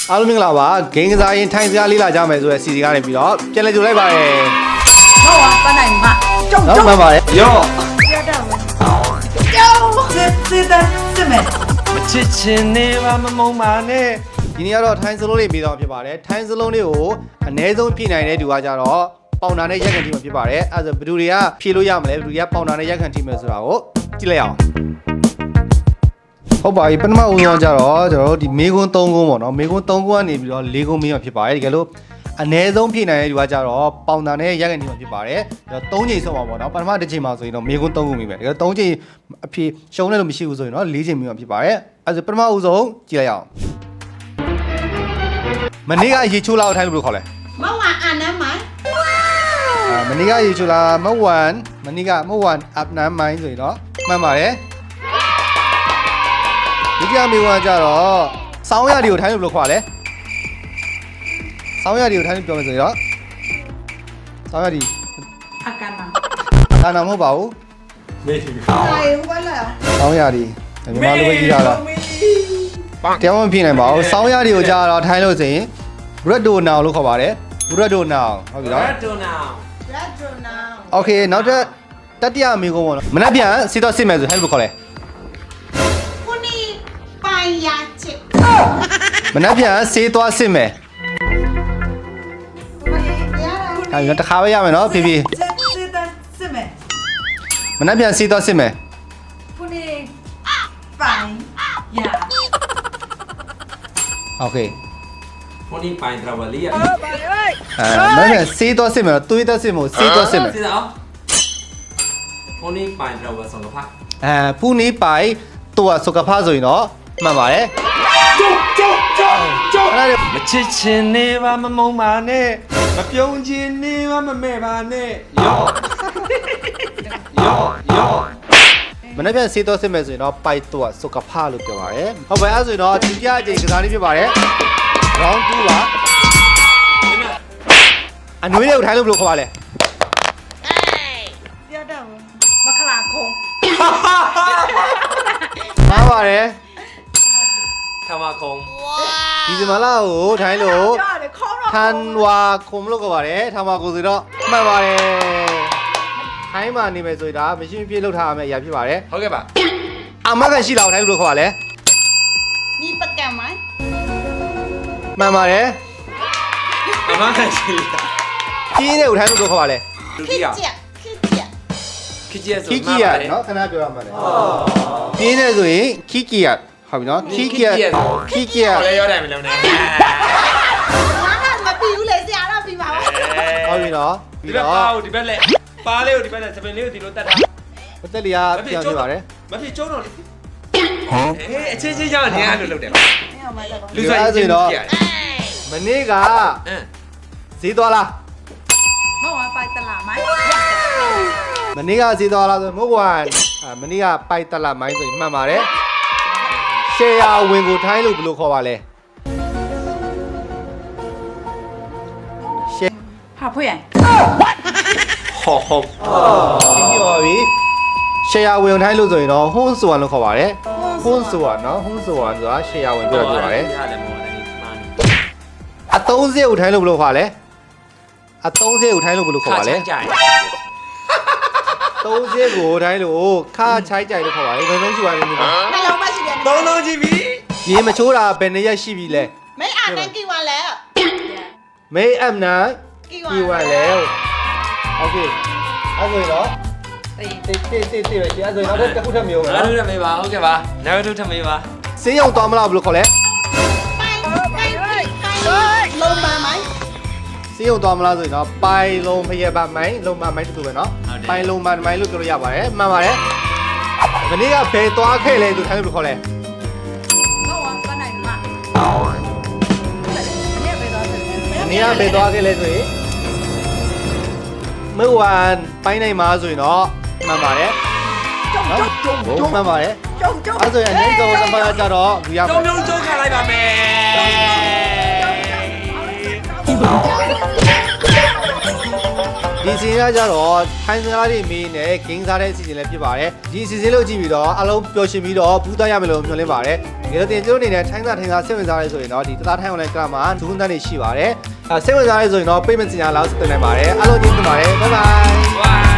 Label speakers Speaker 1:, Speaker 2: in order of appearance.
Speaker 1: အားလုံးမင်္ဂလာပါဂိမ်းကစားရင်ထိုင်စရာလေးလာကြမယ်ဆိုတဲ့စီစီကနေပြီးတော့ပြန်လည်ကြိုလိုက်ပါရယ်
Speaker 2: ဟုတ်ပါပန်းနိုင်မှာကျုံ
Speaker 1: မှန်ပါတယ်ရော့
Speaker 2: ရတော့ကျုံစစ်မယ်
Speaker 3: မချစ်ချင်နေပါမမုံပါနဲ့
Speaker 1: ဒီနေ့ကတော့ထိုင်စလုံးလေးပြီးတော့ဖြစ်ပါတယ်ထိုင်စလုံးလေးကိုအနည်းဆုံးဖြည့်နိုင်တဲ့သူကကြတော့ပေါင်တာနဲ့ရက်ခံထိမှာဖြစ်ပါတယ်အဲဒါဆိုဘယ်သူတွေကဖြည့်လို့ရမလဲဘယ်သူတွေကပေါင်တာနဲ့ရက်ခံထိမယ်ဆိုတာကိုကြည့်လိုက်အောင်ဟုတ်ပါပြီပထမဦးဆုံးကြတော့ကျွန်တော်တို့ဒီမေကွန်း3ကွန်းပေါ့နော်မေကွန်း3ကွန်းကနေပြီးတော့4ကွန်းမင်းမှာဖြစ်ပါတယ်တကယ်လို့အနည်းဆုံးဖြည့်နိုင်တဲ့သူကကြတော့ပေါင်တာနဲ့ရက်ကန်ထိမှာဖြစ်ပါတယ်3ချိန်ဆုံးပါပေါ့နော်ပထမတစ်ချိန်မှာဆိုရင်တော့မေကွန်း3ကွန်းမင်းပဲတကယ်3ချိန်အဖြည့်ရှုံးတယ်လို့မရှိဘူးဆိုရင်တော့4ချိန်မင်းမှာဖြစ်ပါတယ်အဲဒါပထမဦးဆုံးကြည့်လိုက်အောင်မနေ့ကရေချိုးလာကိုထိုင်လို့ဘယ်လိုခေါ်လဲ
Speaker 2: မဝါအာနမ်းမိုင်း
Speaker 1: မနေ့ကရေချိုးလာမဝန်မနေ့ကမဝန်အပ်နမ်းမိုင်းဆိုရင်တော့မှန်ပါတယ်ဒီကြမေဝါကြတော့စောင်းရတွေကိုထိုင်းလို့ဘယ်လိုခေါ်လဲစောင်းရတွေကိုထိုင်းလို့ပြောမယ်ဆိုရင်တော့စောင်းရဒီ
Speaker 2: အကန်နာ
Speaker 1: ဒါနာမဟုတ်ပါဘူး
Speaker 3: မေးပြီ
Speaker 2: အေးဝလာ
Speaker 1: စောင်းရဒီမြန်မာလိုပဲကြီးတာလားတရားမဖြစ်နိုင်ပါဘူးစောင်းရတွေကိုကြတော့ထိုင်းလို့ဆိုရင် red do now လို့ခေါ်ပါတယ် red do now ဟုတ်ပြီနော်
Speaker 3: red do now
Speaker 1: okay နောက်ထပ်တတိယမေကုန်းပေါ့နော်မနက်ပြန်စီတော့စစ်မယ်ဆိုထိုင်းလို့ခေါ်လဲ
Speaker 2: ပိုင်ရချစ်
Speaker 1: မနက်ပြန်ဆေးသွားစစ်မယ်အဲ့ဒါတခါပဲရမယ်နော်ဖေဖေ
Speaker 2: စစ်မယ်
Speaker 1: မနက်ပြန်ဆေးသွားစစ်မယ်
Speaker 2: ခုနေပိုင်ရ
Speaker 1: โอเค
Speaker 3: ခုနေပိုင်ထရဝလီယာ
Speaker 1: မနက်ပြန်ဆေးသွားစစ်မယ်တွေးသွားစစ်မို့ဆေးသွားစစ်မယ်
Speaker 3: စစ်အောင်ခုနေပိုင်ထရဝဆောင်ကဖ
Speaker 1: ဖူးနေပိုင်ตัวสุขภาพဆိုရင်တော့မှန်ပါတယ်
Speaker 3: ကျုပ်မချစ်ချင်နေပါမမုံပါနဲ့မပြုံးချင်နေပါမမဲ့ပါနဲ့ယော
Speaker 1: မနေ့ပြန်စေးတော့စစ်မယ်ဆိုရင်တော့ပိုက်တော့สุขภาพလို့ပြောပါတယ်ဟုတ်ပါအဲ့ဆိုရင်တော့ဒီပြအချိန်ကစားလေးဖြစ်ပါတယ် round 2ပါအနွေးလေးကိုထိုင်းလို့ဘယ်လိုခေါ်ပါလဲ
Speaker 2: ရတော့မခလာခုံး
Speaker 1: မှားပါတယ်
Speaker 3: ထမခုံ
Speaker 1: ဒီစမလာကိုထိုင်းလို့ထန်ဝါခုံလို့ခေါ်ပါတယ်ထမကိုဆိုတော့မှန်ပါတယ်ထိုင်းမှာနေမယ်ဆိုရင်ဒါမရှိမဖြစ်လောက်ထားရမယ့်အရာဖြစ်ပါတယ်
Speaker 3: ဟုတ်ကဲ့ပါ
Speaker 1: အမကရှိလာထိုင်းလို့ခေါ်ပါလဲ
Speaker 2: မိပကံမိုင်း
Speaker 1: မှန်ပါတယ်
Speaker 3: အမကရှိလာ
Speaker 1: ခီးတဲ့ကိုထိုင်းလို့ခေါ်ပါလဲ
Speaker 2: ခိကျ
Speaker 3: ခီကျဆို
Speaker 1: ခီကီယာနော်ခဏပြောရမှာလေပြင်းနေဆိုရင်ခီကီယာဟုတ်ပြီနော်ခီကီယာ
Speaker 3: လည်းရောတယ်မလုံးနဲ့
Speaker 2: ငါကမပြီးဘူးလေဆရာတော့ပြီးပါဘူး
Speaker 1: ဟုတ်ပြီနော်
Speaker 3: ဒီဘက်ပါဦးဒီဘက်လက်ပါလေးကိုဒီဘက်လက်စပင်လေးကိုဒီလိုတက်တာ
Speaker 1: မတက်လျာပြောင်းနေပါတယ်
Speaker 3: မဖြစ်ကျုံးတော့လေဟမ်အချင်းချင်းကြောင့်နေရလို့လုပ်တယ်
Speaker 1: လူဆိုင်ချင်းတော့မနေ့ကဈေးသွားလား
Speaker 2: မဝပိုက်တလာမိုင်း
Speaker 1: မနေ့ကဈေးသွားလားဆိုမဟုတ်ဘူးမနေ့ကပိုက်တက်လာမိုင်းဆိုရင်မှန်ပါတယ်ရှယ်ယာဝင်ကိုထိုင်းလို့ဘယ်လိုခေါ်ပါလဲ
Speaker 2: ဟာဖွေးရ
Speaker 3: ဟုတ်
Speaker 1: ဒီပြောပြီရှယ်ယာဝင်ထိုင်းလို့ဆိုရင်တော့ဟွန်းဆိုဝန်လို့ခေါ်ပါတယ်ဟွန်းဆိုဝန်နော်ဟွန်းဆိုဝန်ဆိုတာရှယ်ယာဝင်ပြောပါတယ်အသုံးစရိတ်ကိုထိုင်းလို့ဘယ်လိုခေါ်လဲအသုံးစရိတ်ကိုထိုင်းလို့ဘယ်လိုခေါ်ပါလဲသုံးစရိတ်ကိုထိုင်းလို့ခါချိုက်ကြိုက်လို့ခေါ်ပါလေဘယ်လုံးရှိပါလဲဒီမှာ
Speaker 2: နှလုံးမရှိတယ်
Speaker 3: သုံးလုံးကြည့်ပြီ
Speaker 1: ရေမချိုးတာဘယ်နှစ်ရက်ရှိပြီလဲ
Speaker 2: မင်းအာနန်ကီဝါလဲ
Speaker 1: မေးအမ်နာကီဝါလဲโอเคအဲ့ဆိုရင်တော့တေးပဲအဲ့ဆိုရင်တော့တစ်ခုထပ်မျိုးပဲ
Speaker 3: နောက်တစ်ထပ်မေးပါဟုတ်ကဲ့ပါနောက်တစ်ထပ်မေးပါ
Speaker 1: စေးရုံသွားမလားဘယ်လိုခေါ်လဲ
Speaker 2: လုံးပါမိုင်း
Speaker 1: စေးရုံသွားမလားဆိုရင်တော့ပိုင်လုံးဖျက်ပါမိုင်းလုံးမမိုင်းတူတူပဲနော်ပိုင်လုံးမမိုင်းလို့ပြောလို့ရပါတယ်မှန်ပါတယ်မနေ့ကဘယ်သွားခဲ့လဲသူထိုင်းလို့ခေါ်လဲ
Speaker 2: ဟုတ်ပါပန်းနိုင်မှာ
Speaker 1: မနေ့ကဘယ်သွားခဲ့လဲဆိုရင်เมื่อวานပိုင်းနိုင်မှာဆိုရင်တော့မှန်ပါတယ်ကျုံမှန်ပါတယ်အဲ့ဆိုရင်အနေဆုံးစပါးကြတော့လူရပါ
Speaker 3: ကျုံကျုံခါလိုက်ပါမယ်
Speaker 1: ဒီဒီစီစဉ်ကကြတော့ထိုင်းစကားတွေမင်းနဲ့ဂိမ်းစားတဲ့အစီအစဉ်လည်းဖြစ်ပါတယ်ဒီအစီအစဉ်လို့ကြည့်ပြီးတော့အလုံးပျော်ရွှင်ပြီးတော့ဘူးသားရမယ်လို့မျှော်လင့်ပါတယ်ဒီလိုတင်ကျိုးအနေနဲ့ထိုင်းစားစိတ်ဝင်စားရဲဆိုရင်တော့ဒီတသားထိုင်း online ကမှာဒုက္ခတန်းတွေရှိပါတယ်စိတ်ဝင်စားရဲဆိုရင်တော့ payment စီစဉ်လာလို့တင်နိုင်ပါတယ်အားလုံးကျေးဇူးတင်ပါတယ် bye bye